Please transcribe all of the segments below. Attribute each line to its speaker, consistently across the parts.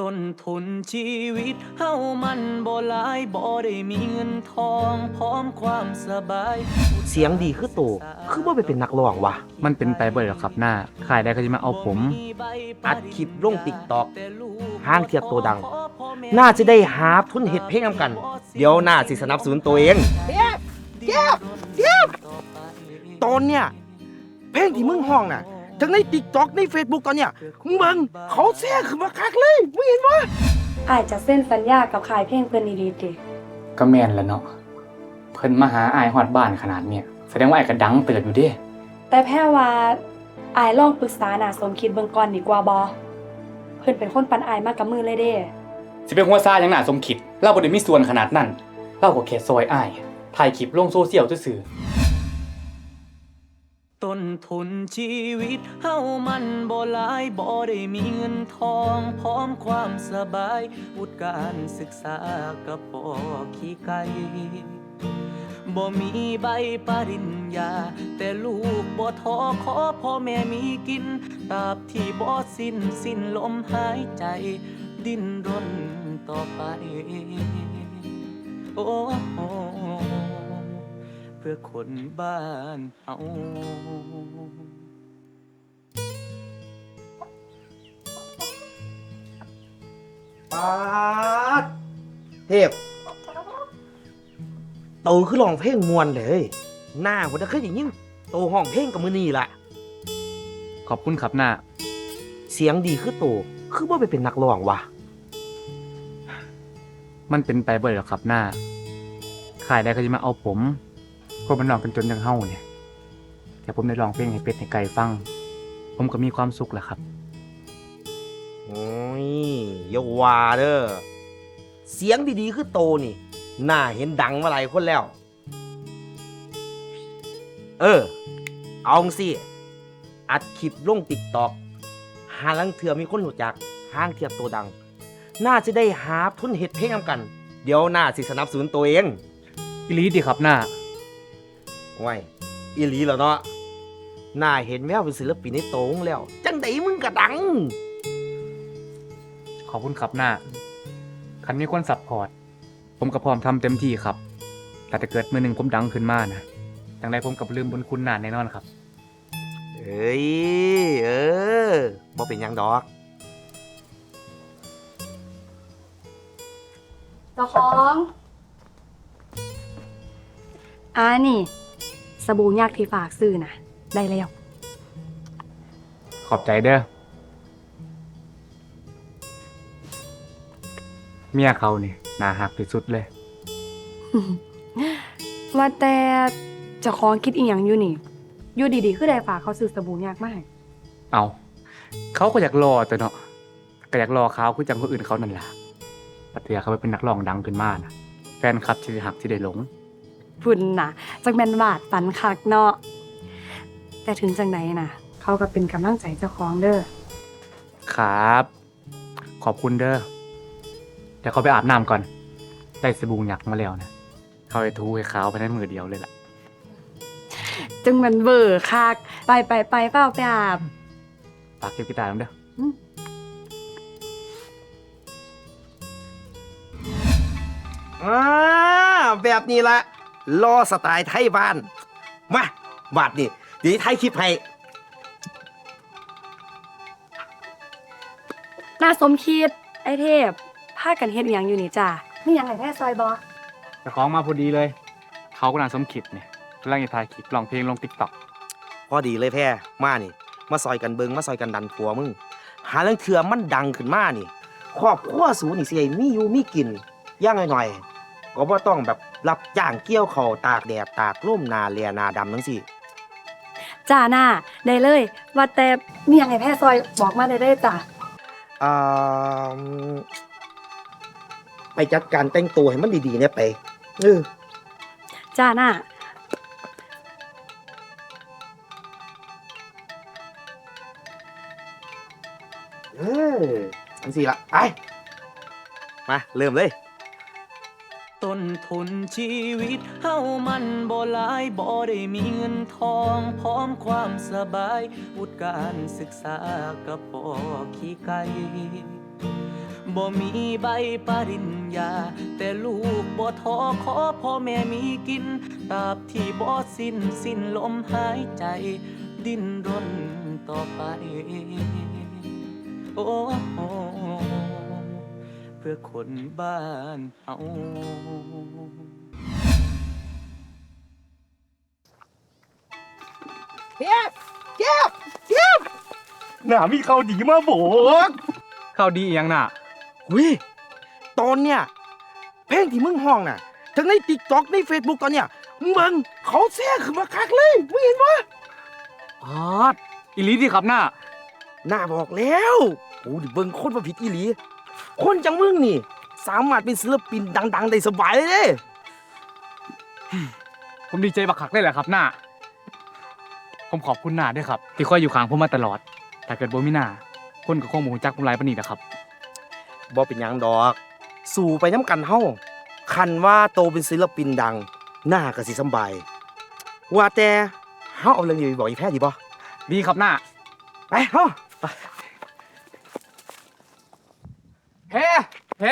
Speaker 1: ต้นทุนชีวิตเฮามันบ่หลายบ่ได้มีเงินทองพร้อมความสบาย
Speaker 2: เสียงดีคือโตคือบ่ไปเป็นนักร้องวะ
Speaker 3: มันเป็นไปบ่ได้หรอกครับหน้าขายได้ก็จะมาเอาผม
Speaker 2: อัดคลิปลง TikTok ห้างเทียบตัวดังน่าจะได้หาทุนเฮ็ดเพลงนำกันเดี๋ยวน่าสิสนับสนุนตัวเองเดี๋ยวตอนเนี้ยเพลงที่มึงห้องน่ะทั้งใน TikTok ใน Facebook ตอนเนี้ยมึงเบิ่งเขาแชร์ขึ้นมาคักเลยมึงเห็นบ่
Speaker 4: อ้ายจะเซ็นสัญญากับค่ายเพลงเพิ่นดีๆติ
Speaker 3: ก็แม่นแล้วเนาะเพิ่นมาหาอายฮอดบ้านขนาดเนี้ยแสดงว่าอายก็ดังเติบอยู่เด้
Speaker 4: แต่แพ้ว่าอ้ายลองปรึกษาหน้าสมคิดเบิ่งก่อนดีกว่าบ่เพิ่นเป็นคนปันอ้ายมากับมือเลยเด้
Speaker 3: สิเป็นหัวซ่าหยังน่าสมคิดเราบ่ได้มีส่วนขนาดนั้นเราก็แค่ซอยอายถ่ายคลิปลงโซเชียลซื่อ
Speaker 1: ต้นทุนชีวิตเฮามันบ่หลายบ่ได้มีเงินทองพร้อมความสบายวุฒิการศึกษากับปอขี้ไก่บ่มีใบปริญญาแต่ลูกบ่ท้อขอพ่อแม่มีกินตราบที่บ่สิ้นลมหายใจดิ้นรนต่อไปโอ้เพื่อคนบ้านเฮา
Speaker 2: ปาดเทพโตคือร้องเพลงม่วนเลยหน้าบ่ได้เคยได้ยินโตห้องเพลงกับมื้อนี้ล่ะ
Speaker 3: ขอบคุณครับหน้า
Speaker 2: เสียงดีคือโตคือบ่ไปเป็นนักร้องวะ
Speaker 3: มันเป็นไปบ่ได้หรอกครับหน้าขายได้ก็จะมาเอาผมคนมันร้องกันจนจังเฮาเนี่ยแต่ผมได้ร้องเพลงให้เป็ดให้ไก่ฟังผมก็มีความสุขแหละครับ
Speaker 2: โอ้ยอย่าว่าเด้อเสียงดีๆคือโตนี่น่าเห็นดังมาหลายคนแล้ว เอาสิอัดคลิปลง TikTok หาลังเทื่อมีคนรู้จักห้างเทียบตัวดัง น่าจะได้หาทุนเฮ็ดเพลงนำกัน เดี๋ยวน่าสิสนับสนุนตัวเอง
Speaker 3: อีหลีดีครับหน้า
Speaker 2: ว้ายอีหลีแล้วเนาะน่าเห็นแววเป็นศิลปินในโตงแล้ว จังไดมึงก็ดัง
Speaker 3: ขอบคุณครับหน้าคันมีคนซัพพอร์ตผมก็พร้อมทำเต็มที่ครับแต่ถ้าเกิดมื้อหนึงผมดังขึ้นมานะจังไดผมก็บ่ลืมบุญคุณหน้าแน่นอนครับ
Speaker 2: เอ้ยบ่เป็นหยังดอก
Speaker 4: เจ้าของนี่สบู่ยักษ์ที่ฝากซื้อน่ะได้แล้ว
Speaker 3: ขอบใจเด้อเมียเขานี่น่าฮักที่สุดเลย
Speaker 4: ว่าแต่เจ้าของคิดอีหยังอยู่นี่อยู่ดีๆคือได้ฝากเขาซื้อสบู่ยักษ์มาให้
Speaker 3: เอาเขาก็อยากรอแต่เนาะก็อยากรอเขาคือจังคนอื่นเขานั่นล่ะปัตยาเขาไปเป็นนักร้องดังขึ้นมานะแฟนคลับที่หักที่ได้หลง
Speaker 4: พุ่นน่ะจักแม่นวาดฝันคักเนาะแต่ถึงจังไหนน่ะ เขาก็เป็นกำลังใจเจ้าของเด้อ
Speaker 3: ครับ ขอบคุณเด้อเดี๋ยวเขาไปอาบน้ำก่อนได้สบู่หยักมาแล้วนะเขาไปทูให้ขาวไปในมือเดียวเลยล่ะ
Speaker 4: จึงมันเบอร์คักไปเป้าไปอาบ
Speaker 3: ฝากเก็บกีตาร์น้ำเด้อ
Speaker 2: แบบนี้ละรอสไตล์ไทยบ้านมาบาดนี่เดี๋ยวไทยคลิปให้
Speaker 4: น่าสมคิดไอเทพพากันเฮ็ดหยังอยู่นี่จ้ามีหยังให้แท้ซอยบ่
Speaker 3: แต่ของมาพอดีเลย เขากำลังสมคิดเนี่ยกำลังจะถ่ายคลิปร้องเพลงลง TikTok
Speaker 2: พอดีเลยแพ่มานี่มาซอยกันเบิงมาซอยกันดันผัวมึงหาเรื่องเถื่อมันดังขึ้นมานี่ครอบครัวสูนี่สิให้มีอยู่มีกินอย่างหน่อยๆก็บ่ต้องแบบรับจ้างเกี่ยวข้าวตากแดดตากลมหนาเลียหนาดำจังซี่
Speaker 4: จ้าหน้าได้เลย ว่าแต่มีหยังให้แท้ซอยบอกมาได้เลยจ้า
Speaker 2: อ่าไปจัดการแต่งตัวให้มันดีๆเนี่ยไป
Speaker 4: จ้าหน้า
Speaker 2: จังซี่ละไปมาเริ่มเลย
Speaker 1: ต้นทุนชีวิตเฮามันบ่หลายบ่ได้มีเงินทองพร้อมความสบายวุฒิการศึกษากับปอขี้ไก่บ่มีใบปริญญาแต่ลูกบ่ท้อขอพ่อแม่มีกินตราบที่บ่สิ้นลมหายใจดิ้นรนต่อไปโอ้เพื่อคนบ้านเฮา
Speaker 2: หน้ามีข่าวดีมาบอก
Speaker 3: ข่าวดีอีหยังน่ะ
Speaker 2: วิตอนเนี้ยเพลงที่มึงห้องน่ะทั้งใน TikTok ใน Facebook ตอนเนี้ยมึงเขาแซ่ขึ้นมาคักเลยมึงเห็นปะ
Speaker 3: อ๋ออีหลีดีครับน่า
Speaker 2: หน้าบอกแล้วโอ้ดิเบิ่งคนมาผิดอีหลี คนจังมึงนี่ สามารถเป็นศิลปินดังๆได้สบายเลยเด้
Speaker 3: ผมดีใจบักคักเลยแหละครับน่าผมขอบคุณน่าด้วยครับ ที่คอยอยู่ข้างผมมาตลอดถ้าเกิดบ่มีน่าคนก็คงบ่รู้จักผมหลายปานนี้นะครับ
Speaker 2: บ่เป็นหยังดอก สู่ไปน้ำกันเฮาคันว่าโตเป็นศิลปินดัง หน้าก็สิสำบาย ว่าแต่เฮาเอาเรื่องนี้ไปบอกอีแพ้ดีบ่
Speaker 3: ดีครับน่า
Speaker 2: ไปเฮา
Speaker 3: แพร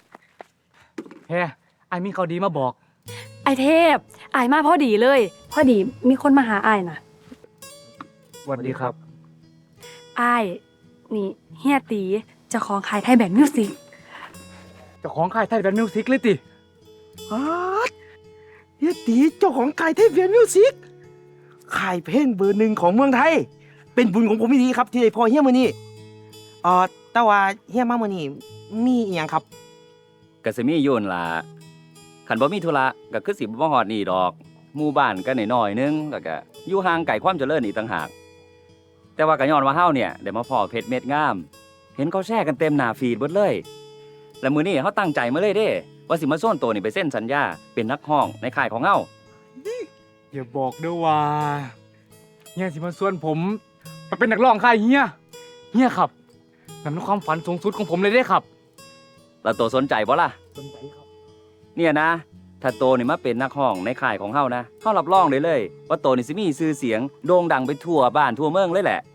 Speaker 3: ไอ้มีข่าวดีมาบอก
Speaker 4: ไอเทพอายมาพอดีเลย พอดีมีคนมาหาอายน่ะ
Speaker 3: สวัสดีครับ
Speaker 4: อายนี่เฮียตีเจ้าของขายไทยแบนด์มิวสิก
Speaker 3: เจ้าของค่ายไทยแบนด์มิวสิกเลยติ
Speaker 2: อ๊าดเฮียตีเจ้าของค่ายเทพเวียนมิวสิกค่ายเพลงเบอร์หนึ่งของเมืองไทย เป็นบุญของผมอีหลีครับที่ได้พอเฮียมื้อนี้แต่ว่าเฮียมามื้อนี้มีอีหยังครับ
Speaker 5: ก็สิมีอยู่นั่นล่ะคันบ่มีธุระก็คือสิบ่ฮอดนี่ดอกหมู่บ้านก็น้อยๆนึงแล้วก็อยู่ห่างไกลความเจริญอีกต่างหากแต่ว่าก็ย้อนว่าเฮาเนี่ยได้มาพ้อเพชรเม็ดงาม เห็นเขาแชร์กันเต็มหน้าฟีดเบิดเลย แล้วมื้อนี้เฮาตั้งใจมาเลยเด้ว่าสิมาโซนตัวนี่ไปเซ็นสัญญาเป็นนักร้องในค่ายของเฮา
Speaker 3: อย่าบอกด้วยว่าเฮียสิมาชวนผมไปเป็นนักร้องค่ายเฮียครับนั่นเป็นความฝันสูงสุดของผมเลยเด้ครับ
Speaker 5: แล้วตัวสนใจบ่ล่ะ
Speaker 2: สนใจครับ
Speaker 5: เนี่ยนะ ถ้าโตนี่มาเป็นนักร้องในค่ายของเฮานะเฮารับรองได้เลย ว่าโตนี่สิมีชื่อเสียงโด่งดังไปทั่วบ้านทั่วเมืองเลยแหละ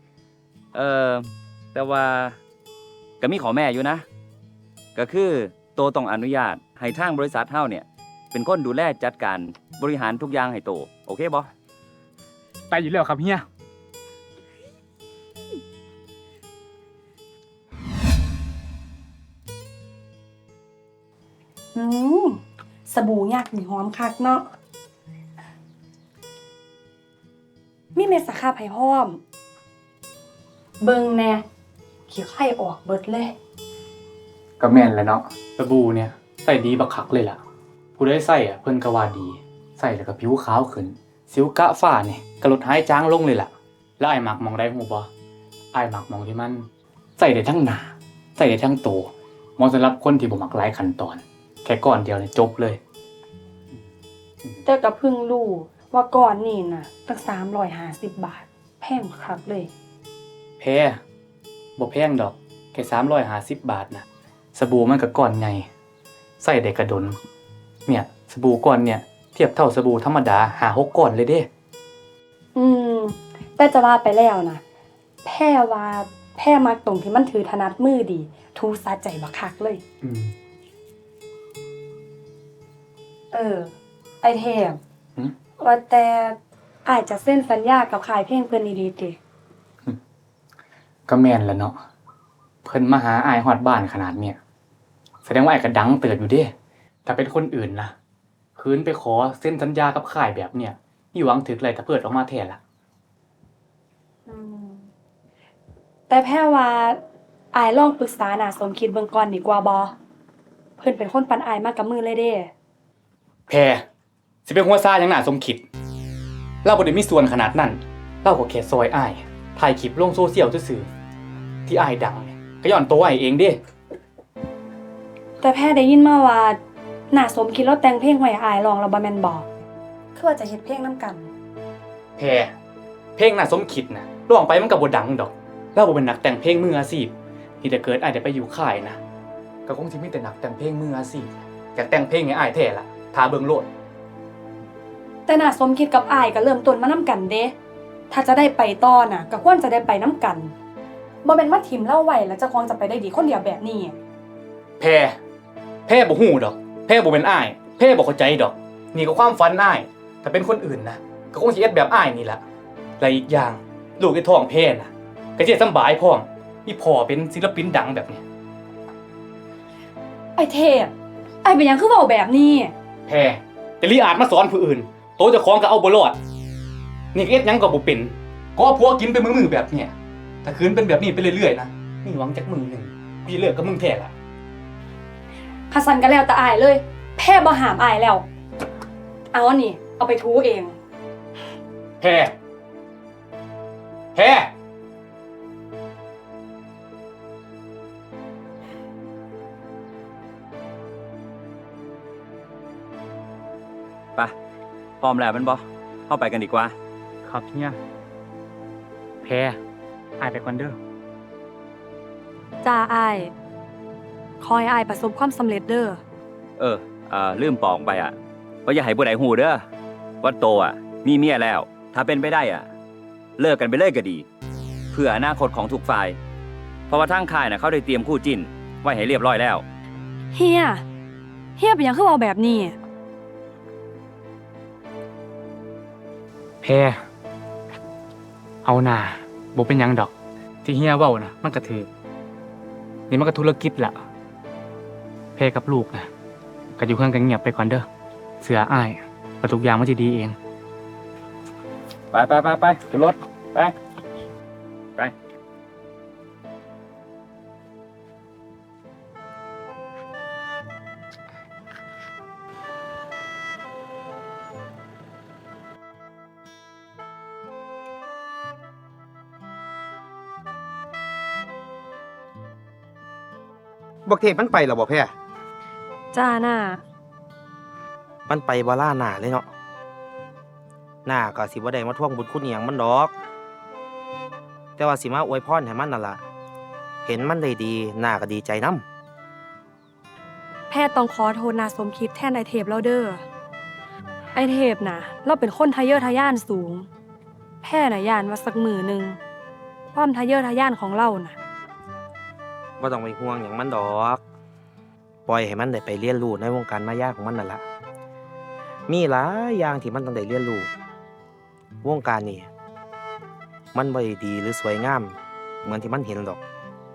Speaker 5: แต่ว่าก็มีขอแม่อยู่นะ ก็คือโตต้องอนุญาตให้ทางบริษัทเฮาเนี่ย เป็นคนดูแลจัดการบริหารทุกอย่างให้โต โอเคบ่
Speaker 3: ไปอยู่แล้วครับเฮีย
Speaker 4: สบู่ยักษ์นี่หอมคักเนาะมีเม็ดสครับให้พร้อม เบิ่งแน่ขี้ไข่ออกเบิดเลย
Speaker 3: ก็แม่นแหละเนาะสบู่เนี่ยใส่ดีบักคักเลยล่ะผู้ได้ใส่เพิ่นก็ว่าดี ใส่แล้วก็ผิวขาวขึ้นสิวกะฝ้านี่ก็ลดหายจางลงเลยล่ะแล้วไอ้มักมองได้ฮู้บ่ไอ้มักมองที่มันใส่ได้ทั้งหน้าใส่ได้ทั้งตัวเหมาะสำหรับคนที่บ่มักหลายขั้นตอนแค่ก้อนเดียวเนี่ยจบเลย
Speaker 4: แต่ก็เพิ่งรู้ว่าก่อนนี่น่ะตั้ง350 บาท แพงคักเลย
Speaker 3: แพงบ่แพงดอกแค่350 บาทนะสบู่มันก็ก้อนใหญ่ใส่ได้กระดนเนี่ยสบู่ก้อนเนี่ยเทียบเท่าสบู่ธรรมดา5-6ก้อนเลยเด้
Speaker 4: แต่จะว่าไปแล้วนะแพ่ว่าแพ่มักตรงที่มันถือถนัดมือดี ทูสะใจบักคักเลย ไอเทม
Speaker 3: หืม
Speaker 4: ว่าแต่อาจจะเซ็นสัญญากับขายเพลงเพิ่นดีๆติ
Speaker 3: ก็แม่นแหล้วเนาะเพิ่นมาหาอ้ายฮอดบ้านขนาดเนี่ยแสดงว่าอ้ายก็ดังเติบอยู่เด้ถ้าเป็นคนอื่นล่ะคืนไปขอเซ็นสัญญากับค่ายแบบเนี่ยมีหวังถึกอะไรถ้าเปิดออกมาแท้ล่ะ
Speaker 4: แต่แพ่ว่าอายลองปรึกษาน่าสมคิดเบิ่งก่อนดีกว่าบ่เพิ่นเป็นคนปันอายมากับมือเลยเด้
Speaker 3: แพรสิเป็นหัวซ่าหยังน่าสมคิดเราบ่ได้มีส่วนขนาดนั้นเราก็แค่ซอยอ้ายถ่ายคลิปลงโซเชียลซื่อๆที่อ้ายดังเนี่ยก็ย้อนตัวอ้ายเองเด้
Speaker 4: แต่แพ่ได้ยินมาว่าน่าสมคิดแล้วแต่งเพลงไว้ให้อายร้องแล้วบ่แม่นบ่คือว่าจะเฮ็ดเพลงนํกัน
Speaker 3: แพรเพลงน่าสมคิดนะร้องไปมันก็บ่ดังดอกเราบ่เป็นนักแต่งเพลงมืออาชีพที่ถ้าเกิดอ้ายได้ไปอยู่ค่ายนะก็คงสิมีแต่นักแต่งเพลงมืออาชีพอยากแต่งเพลงให้อ้ายแท้ล่ะถ้าเบิ่งโลด
Speaker 4: แต่น่าสมคิดกับอายก็เริ่มต้นมานํกันเด้ถ้าจะได้ไปต่อน่ะก็ควรจะได้ไปนํกันบ่แม่นมาถิ่มเล่าไว้แล้วเจ้าของจะไปได้ดีคนเดียวแบบนี้
Speaker 3: แพร่บ่ฮู้ดอกแพร่บ่เป็นอ้ายแพร่บ่เข้าใจดอกนี่ก็ความฝันอ้ายถ้าเป็นคนอื่นนะก็คงสิเฮ็ดแบบอ้ายนี่ล่ะและอีกอย่างลูกไอ้ท้องแพร่น่ะก็สิสำบายพร้อมมีพ่อเป็นศิลปินดังแบบนี้
Speaker 4: ไอเทพไอเป็นหยังคือเว้าแบบนี้
Speaker 3: แพร่แต่ลีอาจมาสอนผู้อื่นโตเจ้าของก็เอาบ่รอดนี่ก็เฮ็ดหยังก็บ่เป็นก็ผัวกินไปมือๆแบบเนี้ยถ้าคืนเป็นแบบนี้ไปเรื่อยๆนะนี่หวังจักมือหนึงกูสิเลิกกับมึงแท้ล่ะ
Speaker 4: คัสันก็แล้วแต่อายเลย แพ้บ่หามอายแล้ว เอาอันนี้เอาไปทูเอง
Speaker 3: แพ้
Speaker 5: ไปพร้อมแล้วแมันบ่เข้าไปกันดีกว่า
Speaker 3: ครับเนี่ยแพ้อายไปก่อนเด้อ
Speaker 4: จ้าอายคอยอายประสบความสำเร็จเด้อ
Speaker 5: ลืมบอกไปอ่ะว่าอย่าให้ผู้ใดหูเด้อว่าโตอ่ะมีเมียแล้ว ถ้าเป็นไปได้อ่ะ เลิกกันไปเลยก็ดี เพื่ออนาคตของทุกฝ่าย เพราะว่าทางค่ายน่ะเขาได้เตรียมคู่จิ้นไว้ให้เรียบร้อยแล้ว
Speaker 4: เฮียเป็นหยังคือเว้าแบบนี้
Speaker 3: แพ้เอาหน่าบ่เป็นหยังดอก ที่เฮียเว้านะมันก็ถือนี่มันก็ธุรกิจละแพ้กับลูกนะก็อยู่เพื่อนกันเงียบไปก่อนเด้อเสืออ้ายว่าทุกอย่างมันจะดีเอง ไปขึ้นรถไป
Speaker 2: บักเทพมันไปแล้วบ่แพ้
Speaker 4: จ้าน่า
Speaker 2: มันไปบ่ล่าหน้าเลยเนาะหน้าก็สิบ่ได้มาทวงบุญคุณอิหยังมันดอก แต่ว่าสิมาอวยพรให้มันนั่นล่ะเห็นมันได้ดีหน้าก็ดีใจนำ
Speaker 4: แพทย์ต้องขอโทษนาสมคิดแทนไอเทพแล้วเด้อไอเทพน่ะ เราเป็นคนทะเยอทะยานสูง แพทย์น่ะย่านว่าสักมือหนึ่งความทะเยอทะยานของเราน่ะ
Speaker 2: บ่ต้องไปห่วงหยังมันดอก ปล่อยให้มันได้ไปเรียนรู้ในวงการมายาของมันนั่นล่ะมีหลายอย่างที่มันต้องได้เรียนรู้วงการนี้มันบ่ได้ดีหรือสวยงามเหมือนที่มันเห็นดอก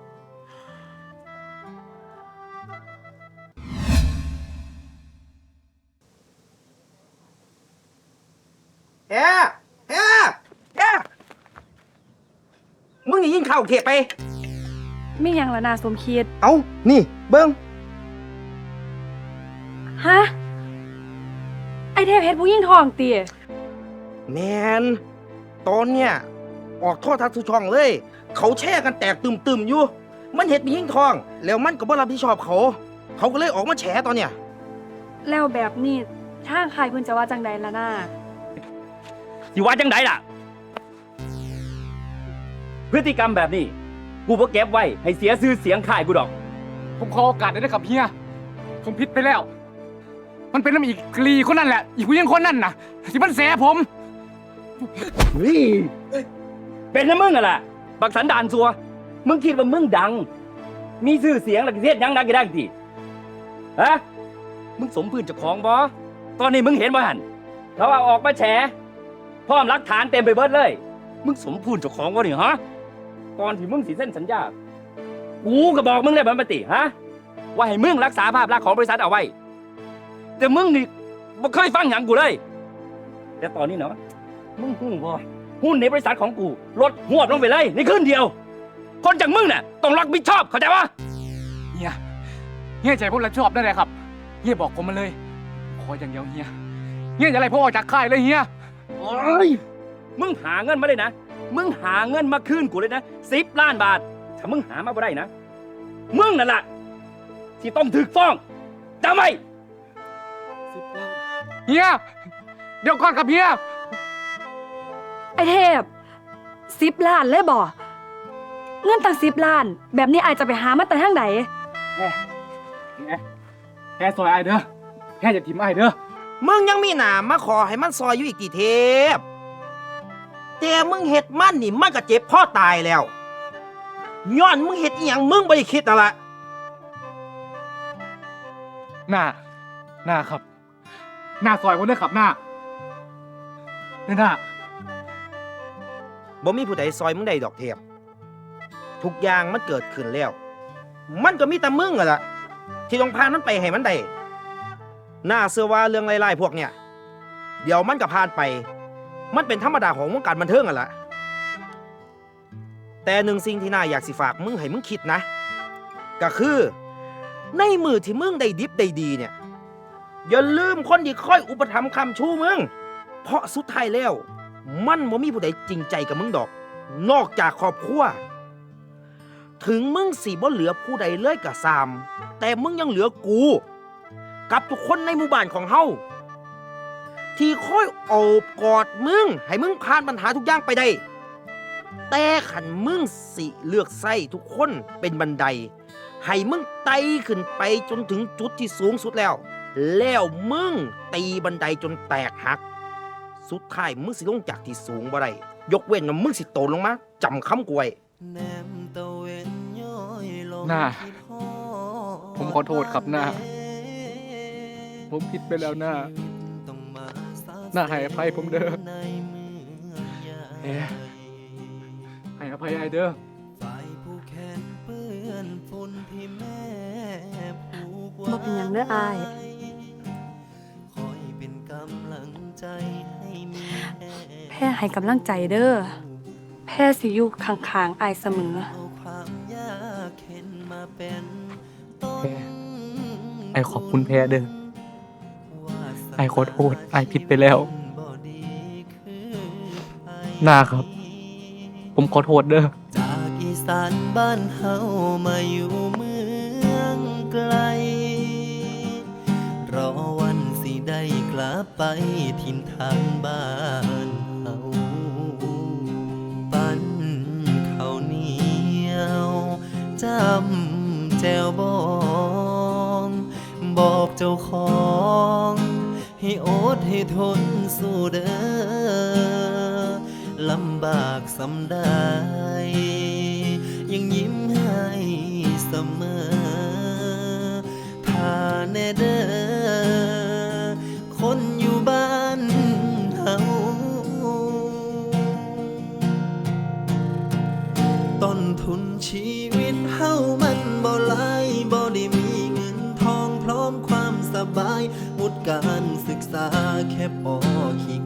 Speaker 2: แฮมึงนี่ยิงเข้าเขตไป
Speaker 4: ไม่ยังละนาสมคิด
Speaker 2: เอ้านี่เบิ่ง
Speaker 4: ฮะ ไอเทพเฮ็ดผู้ยิ่งทองเตี๋ย
Speaker 2: แมนตอนเนี้ยออกโทษทัศน์ทุกช่องเลย เขาแช่กันแตกตึมๆอยู่ มันเห็ดมีหิ้งทอง แล้วมันก็บ่รับผิดชอบเขา เขาก็เลยออกมาแฉตอนเนี้ย
Speaker 4: แล้วแบบนี้ทางใครเพิ่นจะว่าจังใดละนา
Speaker 5: สิว่าจังไดล่ะ พฤติกรรมแบบนี้ กูบ่เก็บไว้ให้เสียชื่อเสียงค่ายกูดอก
Speaker 3: ผมขอโอกาสได้กับเฮียผมผิดไปแล้ว มันเป็นน้ำอีกกลีคนนั่นแหละ อีกผู้หญิงคนนั่นน่ะที่มันแสผม
Speaker 5: เป็นนะมึงอะล่ะ บักสันดานซัว มึงคิดว่ามึงดัง มีชื่อเสียงหลักเทศยังดังกี่ได้ทีฮะ มึงสมพื้นเจ้าของบ่ตอนนี้มึงเห็นบ่หันเขาเอาออกมาแฉพร้อมหลักฐานเต็มไปเบิดเลย มึงสมพื้นเจ้าของบ่นี่ฮะ ก่อนที่มึงสิเส้นสัญญา กูก็บอกมึงได้บันปติฮะ ว่าให้มึงรักษาภาพลักษณ์ของบริษัทเอาไว้ แต่มึงนี่บ่เคยฟังหยังกูเลย แต่ตอนนี้เนาะ มึงหูบ่หุ้นในบริษัทของกูลดหวบลงไปเลยในคืนเดียว คนอย่างมึงน่ะต้องรับผิดชอบเข้าใจปะ
Speaker 3: เฮียใจผมรับผิดชอบได้เลยครับ เฮียบอกผมมาเลย ขออย่างเดียวเฮียอย่าไล่ผมออกจากค่ายเลยเฮีย
Speaker 5: โอ้ยมึงหาเงินมาเลยนะ มึงหาเงินมาคืนกูเลยนะ10 ล้านบาท ถ้ามึงหามาบ่ได้นะ มึงนั่นแหละที่ต้องถึกฟ้องจำไว้
Speaker 3: เฮียเดี๋ยวก่อนครับเฮีย
Speaker 4: ไอเทพ10 ล้านเลยบ่เงินตั้ง10 ล้าน แบบนี้อายจะไปหามาแต่ทางใด
Speaker 3: แค่ซอยไอเด้อแค่อย่าทิมไอเด้อ
Speaker 2: มึงยังมีหนามาขอให้มันซอยอยู่อีกกี่เทปแต่มึงเฮ็ดมันนี่มันก็เจ็บพ่อตายแล้วย้อนมึงเฮ็ดอีหยังมึงบ่ได้คิดนั่นล่ะ
Speaker 3: หน้าครับ หน้าซอยคนเด้อครับหน้าหน้า
Speaker 2: บ่มีผู้ใดซอยมึงได้ดอกเทพทุกอย่างมันเกิดขึ้นแล้ว มันก็มีแต่มึงอะล่ะที่ต้องพามันไปให้มันได้น่าเชื่อว่าเรื่องไล่ๆพวกเนี่ยเดี๋ยวมันก็ผ่านไป มันเป็นธรรมดาของวงการบันเทิงอะล่ะแต่หนึ่งสิ่งที่น่าอยากสิฝากมึงให้มึงคิดนะก็คือในมือที่มึงได้ดิบได้ดีเนี่ยอย่าลืมคนที่คอยอุปถัมภ์คำชูมึงเพราะสุดท้ายแล้วมันบ่มีผู้ใดจริงใจกับมึงดอกนอกจากครอบครัวถึงมึงสิบ่เหลือผู้ใดเลยก็ซามแต่มึงยังเหลือกูกับทุกคนในหมู่บ้านของเฮาที่คอยโอบกอดมึงให้มึงผ่านปัญหาทุกอย่างไปได้แต่ขันมึงสิเลือกใส่ทุกคนเป็นบันไดให้มึงไต่ขึ้นไปจนถึงจุดที่สูงสุดแล้วมึงตีบันไดจนแตกหักสุดท้ายมึงสิลงจากที่สูงบ่ได้ยกเว้นว่ามึงสิโตลงมาจำคำกูไว้
Speaker 3: หน้าผมขอโทษครับหน้าผมผิดไปแล้วหน้าให้อภัยผมเด้อให้อภัยไอเด้อ
Speaker 4: บ่เป็นหยังเด้ออาย แพ้ให้กำลังใจเด้อแพ้สิอยู่ข้างๆอายเสมอ
Speaker 3: ไอขอบคุณแพ้เด้อไอขอโทษไอผิดไปแล้วหน้าครับ ผมขอโทษเด้อ
Speaker 6: จากอีสานบ้านเฮามาอยู่เมืองไกลรอวันสิได้กลับไปถิ่นทางบ้านเฮาปั้นข้าวเหนียวจำแจวบองบอกเจ้าของให้อดให้ทนสู้เด้อลำบากสำได้ยังยิ้มให้เสมอถ้าแน่เด้อคนอยู่บ้านเฮาต้นทุนชีวิตเฮามันบ่หลายบ่ได้มีเงินทองพร้อมความสบายวุฒิการศึกษาแค่ปอ